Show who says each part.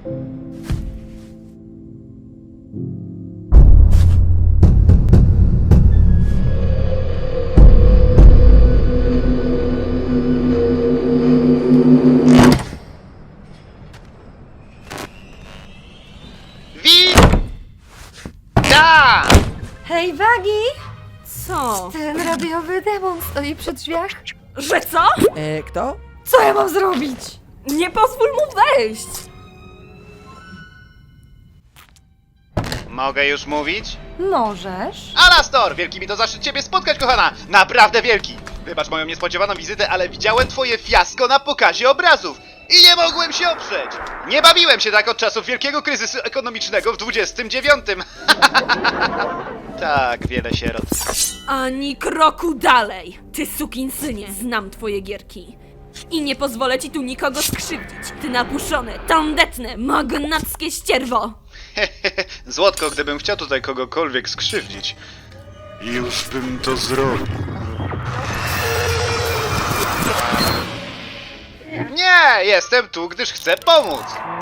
Speaker 1: Hej, Wagi!
Speaker 2: Co?
Speaker 1: Ten radiowy demon stoi przy drzwiach.
Speaker 2: Że co?
Speaker 3: Kto?
Speaker 1: Co ja mam zrobić?
Speaker 2: Nie pozwól mu wejść!
Speaker 4: Mogę już mówić?
Speaker 1: Możesz.
Speaker 4: Alastor! Wielki mi to zaszczyt ciebie spotkać, kochana! Naprawdę wielki! Wybacz moją niespodziewaną wizytę, ale widziałem twoje fiasko na pokazie obrazów i nie mogłem się oprzeć! Nie bawiłem się tak od czasów wielkiego kryzysu ekonomicznego w 29. Tak, wiele sierot.
Speaker 2: Ani kroku dalej! Ty sukinsynie, znam twoje gierki. I nie pozwolę ci tu nikogo skrzywdzić. Ty napuszone, tandetne, magnackie ścierwo!
Speaker 4: Złotko, gdybym chciał tutaj kogokolwiek skrzywdzić, już bym to zrobił. Nie, jestem tu, gdyż chcę pomóc.